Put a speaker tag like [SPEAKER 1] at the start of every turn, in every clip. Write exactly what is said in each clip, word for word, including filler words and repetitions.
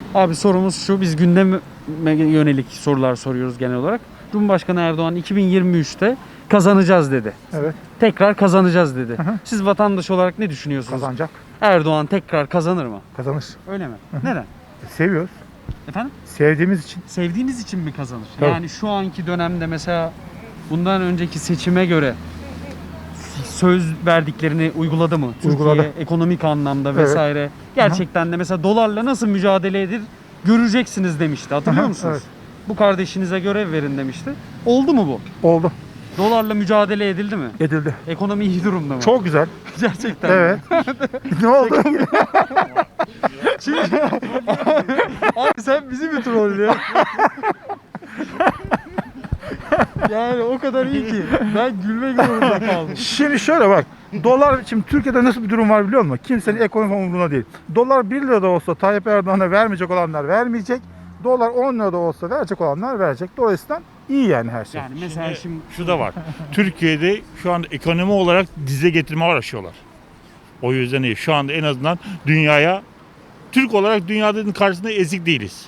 [SPEAKER 1] Abi sorumuz şu, biz gündeme yönelik sorular soruyoruz genel olarak. Cumhurbaşkanı Erdoğan iki bin yirmi üçte kazanacağız dedi.
[SPEAKER 2] Evet.
[SPEAKER 1] Tekrar kazanacağız dedi.
[SPEAKER 2] Hı hı.
[SPEAKER 1] Siz vatandaş olarak ne düşünüyorsunuz?
[SPEAKER 2] Kazanacak.
[SPEAKER 1] Erdoğan tekrar kazanır mı?
[SPEAKER 2] Kazanır.
[SPEAKER 1] Öyle mi?
[SPEAKER 2] Hı hı.
[SPEAKER 1] Neden?
[SPEAKER 2] Seviyoruz.
[SPEAKER 1] Efendim?
[SPEAKER 2] Sevdiğimiz için.
[SPEAKER 1] Sevdiğiniz için mi kazanır?
[SPEAKER 2] Tabii.
[SPEAKER 1] Yani şu anki dönemde mesela bundan önceki seçime göre söz verdiklerini uyguladı mı?
[SPEAKER 2] Uyguladı.
[SPEAKER 1] Türkiye ekonomik anlamda
[SPEAKER 2] Evet.
[SPEAKER 1] vesaire. Gerçekten de mesela dolarla nasıl mücadele edilir göreceksiniz demişti. Hatırlıyor
[SPEAKER 2] Aha,
[SPEAKER 1] musunuz?
[SPEAKER 2] evet.
[SPEAKER 1] Bu kardeşinize görev verin demişti. Oldu mu bu?
[SPEAKER 2] Oldu.
[SPEAKER 1] Dolarla mücadele edildi mi?
[SPEAKER 2] Edildi.
[SPEAKER 1] Ekonomi iyi durumda mı?
[SPEAKER 2] Çok güzel.
[SPEAKER 1] Gerçekten.
[SPEAKER 2] Evet. Ne oldu?
[SPEAKER 1] Abi sen bizi mi trollüyorsun? Yani o kadar iyi ki ben gülmek zorunda kaldım.
[SPEAKER 2] Şimdi şöyle bak. Dolar, şimdi Türkiye'de nasıl bir durum var biliyor musun? Kimsenin ekonomi umurunda değil. Dolar bir lira da olsa Tayyip Erdoğan'a vermeyecek olanlar vermeyecek. Dolar on lira da olsa verecek olanlar verecek. Dolayısıyla iyi yani her şey.
[SPEAKER 1] Yani mesela şimdi
[SPEAKER 3] Şu da var. Türkiye'de şu anda ekonomi olarak dize getirme uğraşıyorlar. O yüzden iyi. Şu anda en azından dünyaya, Türk olarak dünyanın karşısında ezik değiliz.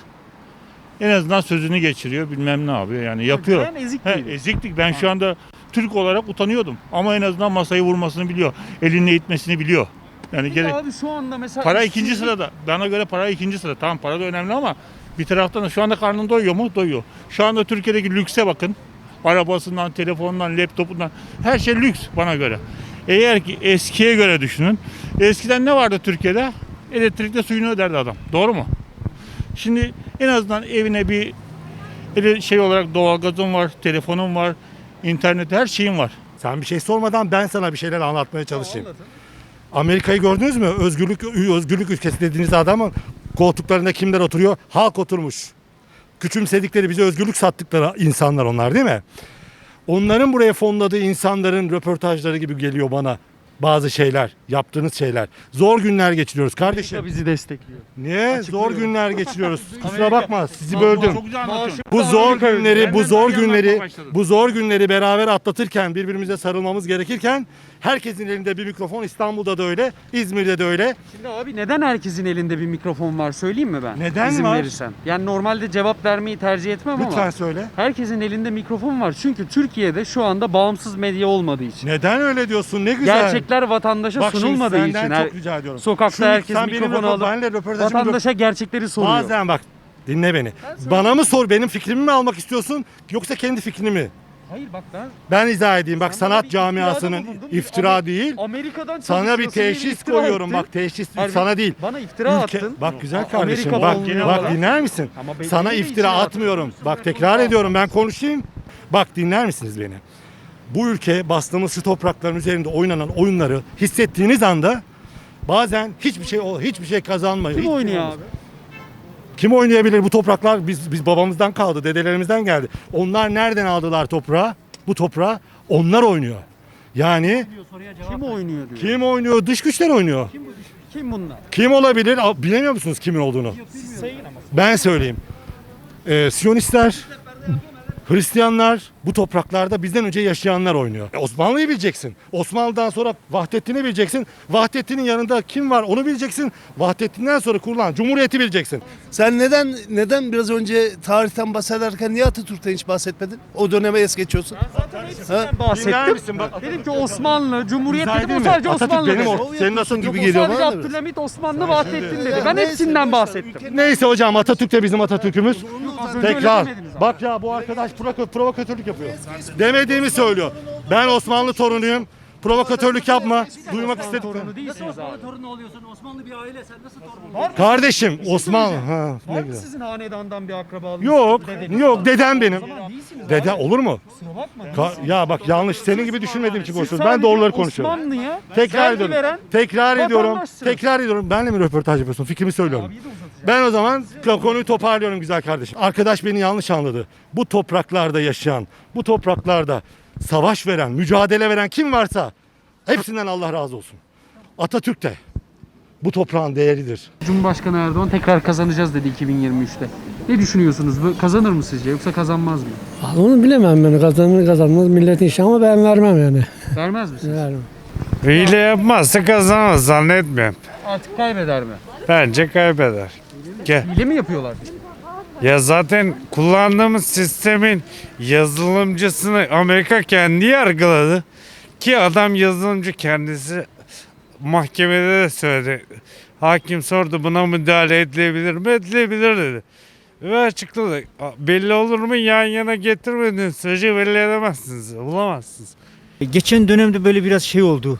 [SPEAKER 3] En azından sözünü geçiriyor, bilmem ne yapıyor yani yapıyor.
[SPEAKER 1] Ben ezik
[SPEAKER 3] He,
[SPEAKER 1] değilim.
[SPEAKER 3] eziklik. Ben şu anda Türk olarak utanıyordum. Ama en azından masayı vurmasını biliyor. Elini itmesini biliyor. Yani
[SPEAKER 1] Bir de
[SPEAKER 3] gerek.
[SPEAKER 1] abi şu anda mesela
[SPEAKER 3] Para
[SPEAKER 1] işsizlik-
[SPEAKER 3] ikinci sırada. Bana göre para ikinci sırada. Tamam, para da önemli ama bir taraftan da şu anda karnın doyuyor mu? Doyuyor. Şu anda Türkiye'deki lükse bakın. Arabasından, telefonundan, laptopundan her şey lüks bana göre. Eğer ki eskiye göre düşünün. Eskiden ne vardı Türkiye'de? Elektrikle suyunu öderdi adam. Doğru mu? Şimdi en azından evine bir ele- şey olarak doğalgazın var, telefonun var, internet, her şeyin var.
[SPEAKER 4] Sen bir şey sormadan ben sana bir şeyler anlatmaya çalışayım. Amerika'yı gördünüz mü? Özgürlük özgürlük ülkesi dediğiniz adamın koltuklarında kimler oturuyor? Halk oturmuş. Küçümsedikleri, bize özgürlük sattıkları insanlar onlar, değil mi? Onların buraya fonladığı insanların röportajları gibi geliyor bana bazı şeyler, yaptığınız şeyler. Zor günler geçiriyoruz kardeşim.
[SPEAKER 1] Amerika bizi destekliyor.
[SPEAKER 4] Niye? Zor günler geçiriyoruz. Kusura bakma, sizi böldüm.
[SPEAKER 3] Çok güzel anlatıyorsun.
[SPEAKER 4] Bu zor günleri, bu
[SPEAKER 3] Benden
[SPEAKER 4] zor
[SPEAKER 3] daha iyi
[SPEAKER 4] günleri,
[SPEAKER 3] anlatmaya başladın.
[SPEAKER 4] bu zor günleri beraber atlatırken, birbirimize sarılmamız gerekirken herkesin elinde bir mikrofon. İstanbul'da da öyle, İzmir'de de öyle.
[SPEAKER 1] Şimdi abi neden herkesin elinde bir mikrofon var söyleyeyim mi ben?
[SPEAKER 4] Neden
[SPEAKER 1] İzin
[SPEAKER 4] var?
[SPEAKER 1] verirsen. Yani normalde cevap vermeyi tercih etmem
[SPEAKER 4] Lütfen
[SPEAKER 1] ama
[SPEAKER 4] söyle.
[SPEAKER 1] herkesin elinde mikrofon var. Çünkü Türkiye'de şu anda bağımsız medya olmadığı için.
[SPEAKER 4] Neden öyle diyorsun? Ne güzel.
[SPEAKER 1] Gerçekler vatandaşa
[SPEAKER 4] Bak şimdi
[SPEAKER 1] sunulmadığı
[SPEAKER 4] senden
[SPEAKER 1] için.
[SPEAKER 4] çok
[SPEAKER 1] Her-
[SPEAKER 4] rica ediyorum.
[SPEAKER 1] Sokakta
[SPEAKER 4] Şunu-
[SPEAKER 1] herkes
[SPEAKER 4] sen benim
[SPEAKER 1] mikrofonu
[SPEAKER 4] röpo-
[SPEAKER 1] alıp
[SPEAKER 4] benimle röportajımı
[SPEAKER 1] vatandaşa gerçekleri soruyor.
[SPEAKER 4] Bazen bak, dinle beni. Bana mı sor, benim fikrimi mi almak istiyorsun yoksa kendi fikrini mi?
[SPEAKER 1] Hayır bak ben
[SPEAKER 4] Ben izah edeyim. Bak,
[SPEAKER 1] Sana
[SPEAKER 4] sanat
[SPEAKER 1] bir iftirada
[SPEAKER 4] camiasının
[SPEAKER 1] bulundum.
[SPEAKER 4] iftira
[SPEAKER 1] Amer-
[SPEAKER 4] değil.
[SPEAKER 1] Amerika'dan
[SPEAKER 4] Sana bir
[SPEAKER 1] çalışıyorsun diye
[SPEAKER 4] teşhis
[SPEAKER 1] iftira
[SPEAKER 4] koyuyorum.
[SPEAKER 1] ettin.
[SPEAKER 4] Bak, teşhis
[SPEAKER 1] Hayır,
[SPEAKER 4] sana değil.
[SPEAKER 1] Bana iftira
[SPEAKER 4] Ülke-
[SPEAKER 1] attın.
[SPEAKER 4] Bak güzel
[SPEAKER 1] A-
[SPEAKER 4] kardeşim.
[SPEAKER 1] Amerika
[SPEAKER 4] Bak,
[SPEAKER 1] fonluyor
[SPEAKER 4] bak
[SPEAKER 1] falan.
[SPEAKER 4] dinler misin?
[SPEAKER 1] Ama beni-
[SPEAKER 4] Sana
[SPEAKER 1] beni de
[SPEAKER 4] iftira
[SPEAKER 1] içine
[SPEAKER 4] atmıyorum.
[SPEAKER 1] atıyorsun.
[SPEAKER 4] Bak, tekrar ediyorum, ben konuşayım. Bak, dinler misiniz beni? Bu ülke bastığımız şu toprakların üzerinde oynanan oyunları hissettiğiniz anda bazen hiçbir şey hiçbir şey kazanmıyor.
[SPEAKER 1] Kim
[SPEAKER 4] Hiçbir
[SPEAKER 1] oynuyor
[SPEAKER 4] olmaz.
[SPEAKER 1] abi?
[SPEAKER 4] Kim oynayabilir? Bu topraklar biz biz babamızdan kaldı, dedelerimizden geldi. Onlar nereden aldılar toprağı? Bu toprağı onlar oynuyor. Yani
[SPEAKER 1] Kim oynuyor diyor.
[SPEAKER 4] kim oynuyor? Dış güçler oynuyor.
[SPEAKER 1] Kim bunlar?
[SPEAKER 4] Kim olabilir? Aa, bilemiyor musunuz kimin olduğunu? Ben söyleyeyim. Ee, Siyonistler, Hristiyanlar, bu topraklarda bizden önce yaşayanlar oynuyor. E, Osmanlı'yı bileceksin. Osmanlı'dan sonra Vahdettin'i bileceksin. Vahdettin'in yanında kim var onu bileceksin. Vahdettin'den sonra kurulan Cumhuriyeti bileceksin.
[SPEAKER 5] Sen neden neden biraz önce tarihten bahsederken niye Atatürk'ten hiç bahsetmedin? O döneme es geçiyorsun.
[SPEAKER 1] Hepsinden
[SPEAKER 4] Dinler
[SPEAKER 1] bahsettim.
[SPEAKER 4] misin? Bak,
[SPEAKER 1] Dedim ki Osmanlı, Cumhuriyet
[SPEAKER 4] İzah
[SPEAKER 1] dedim o
[SPEAKER 4] edeyim mi?
[SPEAKER 1] sadece
[SPEAKER 4] Atatürk
[SPEAKER 1] Osmanlı
[SPEAKER 4] benim
[SPEAKER 1] dedi.
[SPEAKER 4] o- senin Atatürk
[SPEAKER 5] gibi
[SPEAKER 1] O
[SPEAKER 5] geliyor
[SPEAKER 1] sadece
[SPEAKER 5] bana da biraz.
[SPEAKER 1] Abdülhamit, Osmanlı, Vahdettin dedi.
[SPEAKER 5] Ya
[SPEAKER 1] Ben
[SPEAKER 5] neyse,
[SPEAKER 1] hepsinden
[SPEAKER 5] boş ver.
[SPEAKER 1] bahsettim.
[SPEAKER 5] Ülkenin-
[SPEAKER 4] Neyse hocam, Atatürk de bizim Atatürk'ümüz.
[SPEAKER 1] Az önce öyle
[SPEAKER 4] Tekrar.
[SPEAKER 1] demediniz ama.
[SPEAKER 4] Bak ya, bu arkadaş provo- provokatörlük yapıyor. Demediğimi söylüyor. Ben Osmanlı torunuyum. Provokatörlük yapma. Duymak istedim.
[SPEAKER 1] Torunu değilsiniz abi.
[SPEAKER 6] Torunu oluyorsun. Osmanlı bir aile. Sen nasıl torun oluyorsun?
[SPEAKER 4] Kardeşim Osmanlı. Ha, ne
[SPEAKER 1] Var mı
[SPEAKER 4] güzel.
[SPEAKER 1] sizin hanedandan bir akrabalığınız?
[SPEAKER 4] Yok,
[SPEAKER 1] Dedeniz
[SPEAKER 4] yok,
[SPEAKER 1] falan?
[SPEAKER 4] dedem benim.
[SPEAKER 1] O zaman değilsiniz
[SPEAKER 4] Dede
[SPEAKER 1] abi.
[SPEAKER 4] olur mu?
[SPEAKER 1] Kusura bakma.
[SPEAKER 4] Ka- ya bak, yanlış, senin gibi düşünmediğim için
[SPEAKER 1] Siz
[SPEAKER 4] konuşuyorum. Ben
[SPEAKER 1] sadece
[SPEAKER 4] doğruları konuşuyorum.
[SPEAKER 1] Osmanlı'ya
[SPEAKER 4] Tekrar
[SPEAKER 1] vergi
[SPEAKER 4] ediyorum.
[SPEAKER 1] veren
[SPEAKER 4] Tekrar ediyorum.
[SPEAKER 1] vatandaşsınız.
[SPEAKER 4] Tekrar ediyorum. Benle mi röportaj yapıyorsun? Fikrimi söylüyorum.
[SPEAKER 1] Abiyi de uzatacağım.
[SPEAKER 4] Ben o zaman konuyu toparlıyorum güzel kardeşim. Arkadaş beni yanlış anladı. Bu topraklarda yaşayan, bu topraklarda savaş veren, mücadele veren kim varsa hepsinden Allah razı olsun. Atatürk de bu toprağın değeridir.
[SPEAKER 1] Cumhurbaşkanı Erdoğan tekrar kazanacağız dedi iki bin yirmi üçte. Ne düşünüyorsunuz? Bu kazanır mı sizce yoksa kazanmaz mı?
[SPEAKER 6] Onu bilemem ben. Kazanır kazanmaz milletin işi ama ben vermem yani.
[SPEAKER 1] Vermez misiniz?
[SPEAKER 6] Vermem.
[SPEAKER 7] Hile yapmazsa kazanamaz zannetmiyorum.
[SPEAKER 1] Artık kaybeder mi?
[SPEAKER 7] Bence kaybeder. Gel.
[SPEAKER 1] Hile mi yapıyorlar?
[SPEAKER 7] Ya zaten kullandığımız sistemin yazılımcısını Amerika kendi yargıladı. Ki adam yazılımcı kendisi mahkemede de söyledi. Hakim sordu buna müdahale edilebilir mi? Edilebilir dedi. Ve açıkladı. Belli olur mu? Yan yana getirmediğiniz sürece belli edemezsiniz. Bulamazsınız.
[SPEAKER 8] Geçen dönemde böyle biraz şey oldu.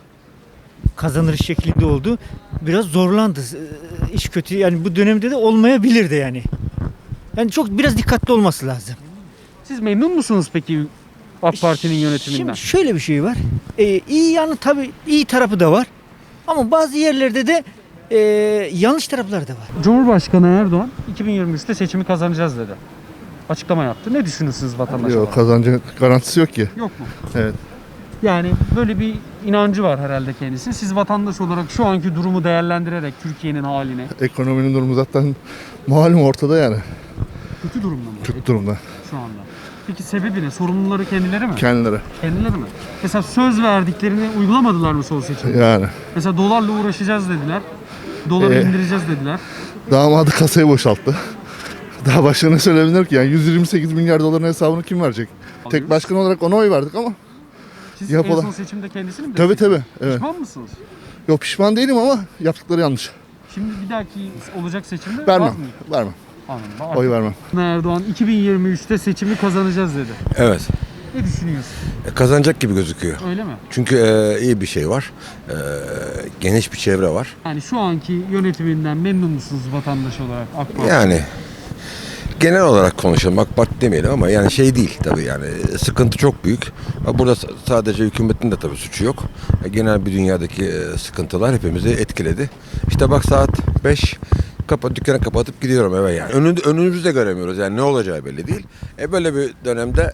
[SPEAKER 8] Kazanır şeklinde oldu. Biraz zorlandı. Ee, İş kötü. Yani bu dönemde de olmayabilirdi yani. Yani çok biraz dikkatli olması lazım.
[SPEAKER 1] Siz memnun musunuz peki AK Parti'nin yönetiminden?
[SPEAKER 8] Şimdi şöyle bir şey var. Ee, iyi yanı tabii iyi tarafı da var. Ama bazı yerlerde de e, yanlış tarafları da var.
[SPEAKER 1] Cumhurbaşkanı Erdoğan iki bin yirmi üçte seçimi kazanacağız dedi. Açıklama yaptı. Ne düşünürsünüz vatandaş olarak?
[SPEAKER 9] Yok, kazancı garantisi yok ki.
[SPEAKER 1] Yok mu?
[SPEAKER 9] Evet.
[SPEAKER 1] Yani böyle bir inancı var herhalde kendisi. Siz vatandaş olarak şu anki durumu değerlendirerek Türkiye'nin haline
[SPEAKER 9] Ekonominin durumu zaten malum ortada yani.
[SPEAKER 1] kötü durumda mı?
[SPEAKER 9] Kötü durumda.
[SPEAKER 1] Şu anda. Peki sebebi ne? Sorumluları kendileri mi?
[SPEAKER 9] Kendileri.
[SPEAKER 1] Kendileri mi? Mesela söz verdiklerini uygulamadılar mı son seçimde?
[SPEAKER 9] Yani.
[SPEAKER 1] Mesela dolarla uğraşacağız dediler. Doları
[SPEAKER 9] Ee,
[SPEAKER 1] indireceğiz dediler.
[SPEAKER 9] Damadı kasayı boşalttı. Daha başka ne söyleyebilir ki? Yani yüz yirmi sekiz milyar doların hesabını kim verecek? Tek başkan olarak ona oy verdik ama.
[SPEAKER 1] Siz
[SPEAKER 9] yapıla-
[SPEAKER 1] en son seçimde kendisini mi
[SPEAKER 9] Tabii
[SPEAKER 1] desteklediniz?
[SPEAKER 9] tabii. Evet.
[SPEAKER 1] Pişman mısınız?
[SPEAKER 9] Yok pişman değilim ama yaptıkları yanlış.
[SPEAKER 1] Şimdi bir dahaki olacak seçimde var
[SPEAKER 9] Vermem.
[SPEAKER 1] mı?
[SPEAKER 9] Vermem.
[SPEAKER 1] Anladım.
[SPEAKER 9] Oy vermem.
[SPEAKER 1] Erdoğan iki bin yirmi üçte seçimi kazanacağız dedi.
[SPEAKER 10] Evet.
[SPEAKER 1] Ne düşünüyorsun?
[SPEAKER 10] E, Kazanacak gibi gözüküyor.
[SPEAKER 1] Öyle mi?
[SPEAKER 10] Çünkü e, iyi bir şey var. E, geniş bir çevre var.
[SPEAKER 1] Yani şu anki yönetiminden memnun musunuz vatandaş olarak AK Parti?
[SPEAKER 10] Yani genel olarak konuşalım. AK Parti demeyelim ama yani şey değil tabii yani sıkıntı çok büyük. Burada s- sadece hükümetin de tabii suçu yok. E, genel bir dünyadaki e, sıkıntılar hepimizi etkiledi. İşte bak saat beş kapa, dükkanı kapatıp gidiyorum eve yani. Önün, önümüzü de göremiyoruz yani ne olacağı belli değil. E böyle bir dönemde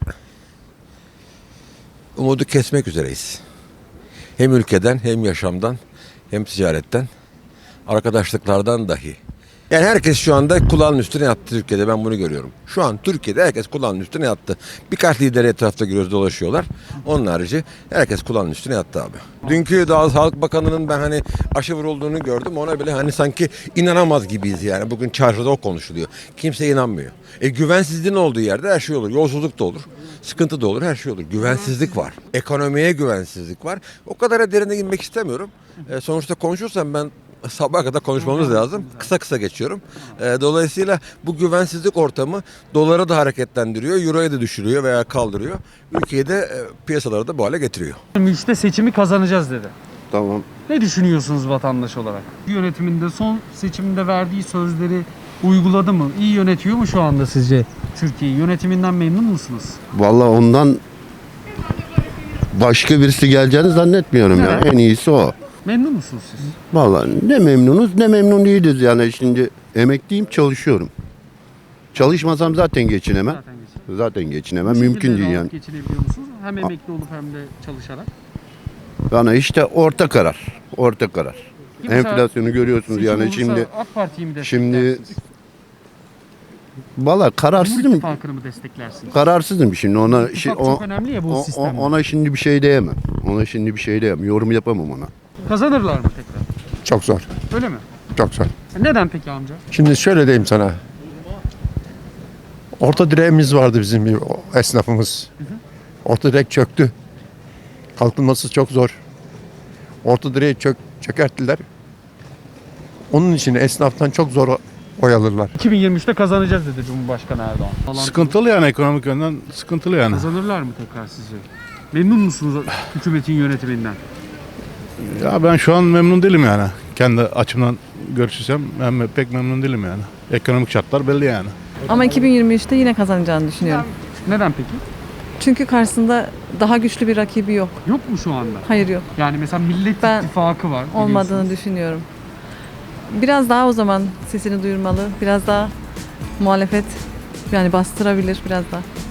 [SPEAKER 10] umudu kesmek üzereyiz. Hem ülkeden hem yaşamdan hem ticaretten arkadaşlıklardan dahi. Yani herkes şu anda kulağının üstüne yattı Türkiye'de ben bunu görüyorum. Şu an Türkiye'de herkes kulağının üstüne yattı. Birkaç lider etrafta görüyoruz dolaşıyorlar. Onun harici herkes kulağının üstüne yattı abi. Dünkü daha Sağlık Bakanı'nın ben hani aşı vurulduğunu gördüm. Ona bile hani sanki inanamaz gibiyiz yani. Bugün çarşıda o konuşuluyor. Kimse inanmıyor. E güvensizliğin olduğu yerde her şey olur. Yolsuzluk da olur. Sıkıntı da olur. Her şey olur. Güvensizlik var. Ekonomiye güvensizlik var. O kadar derine girmek istemiyorum. E, sonuçta konuşursam ben sabaha kadar konuşmamız lazım. Kısa kısa geçiyorum. Ee, dolayısıyla bu güvensizlik ortamı doları da hareketlendiriyor, euroyu da düşürüyor veya kaldırıyor. Ülkeyi de e, piyasaları da bu hale getiriyor.
[SPEAKER 1] yirmi üçte seçimi kazanacağız dedi.
[SPEAKER 9] Tamam.
[SPEAKER 1] Ne düşünüyorsunuz vatandaş olarak? Yönetiminde son seçimde verdiği sözleri uyguladı mı? İyi yönetiyor mu şu anda sizce Türkiye'yi? Yönetiminden memnun musunuz?
[SPEAKER 11] Vallahi ondan başka birisi geleceğini zannetmiyorum ya. En iyisi o.
[SPEAKER 1] Memnun musunuz siz?
[SPEAKER 11] Vallahi ne memnunuz ne memnun değiliz yani şimdi emekliyim çalışıyorum. Çalışmasam zaten geçinemem.
[SPEAKER 1] Zaten geçin.
[SPEAKER 11] Zaten geçinemem
[SPEAKER 1] Bu
[SPEAKER 11] mümkün
[SPEAKER 1] şekilde
[SPEAKER 11] değil
[SPEAKER 1] rahat
[SPEAKER 11] yani.
[SPEAKER 1] geçinebiliyor musunuz? Hem emekli olup hem de çalışarak.
[SPEAKER 11] Bana işte orta karar. Orta karar.
[SPEAKER 1] Ki mesela
[SPEAKER 11] Enflasyonu görüyorsunuz
[SPEAKER 1] seçim
[SPEAKER 11] yani
[SPEAKER 1] olursa
[SPEAKER 11] şimdi
[SPEAKER 1] AK Parti'yi mi
[SPEAKER 11] şimdi
[SPEAKER 1] desteklersiniz?
[SPEAKER 11] valla
[SPEAKER 1] Cumhur
[SPEAKER 11] kararsızım.
[SPEAKER 1] İttifakı'nı mı desteklersiniz?
[SPEAKER 11] Kararsızım şimdi ona
[SPEAKER 1] İttifak
[SPEAKER 11] şey, o,
[SPEAKER 1] çok önemli ya bu
[SPEAKER 11] o- o-
[SPEAKER 1] sistemde.
[SPEAKER 11] ona şimdi bir şey diyemem. Ona şimdi bir şey diyemem. Yorum yapamam ona.
[SPEAKER 1] Kazanırlar mı tekrar?
[SPEAKER 12] Çok zor,
[SPEAKER 1] Öyle mi?
[SPEAKER 12] çok zor.
[SPEAKER 1] Neden peki amca?
[SPEAKER 12] Şimdi şöyle diyeyim sana. Orta direğimiz vardı bizim bir o- esnafımız. Orta direk çöktü. Kalkınması çok zor. Orta direği çök, çökerttiler. Onun için esnaftan çok zor o- oy alırlar.
[SPEAKER 1] iki bin yirmi üçte kazanacağız dedi Cumhurbaşkanı Erdoğan. Falan.
[SPEAKER 2] Sıkıntılı yani ekonomik yönden sıkıntılı yani.
[SPEAKER 1] Kazanırlar mı tekrar sizce? Memnun musunuz hükümetin yönetiminden?
[SPEAKER 2] Ya ben şu an memnun değilim yani. Kendi açımdan görüşürsem ben pek memnun değilim yani. Ekonomik şartlar belli yani.
[SPEAKER 13] Ama iki bin yirmi üçte yine kazanacağını düşünüyorum.
[SPEAKER 1] Neden peki?
[SPEAKER 13] Çünkü karşısında daha güçlü bir rakibi yok.
[SPEAKER 1] Yok mu şu anda?
[SPEAKER 13] Hayır yok.
[SPEAKER 1] Yani mesela Millet
[SPEAKER 13] Ben
[SPEAKER 1] İttifakı var.
[SPEAKER 13] Olmadığını
[SPEAKER 1] biliyorsunuz.
[SPEAKER 13] düşünüyorum. Biraz daha o zaman sesini duyurmalı. Biraz daha muhalefet yani bastırabilir biraz daha.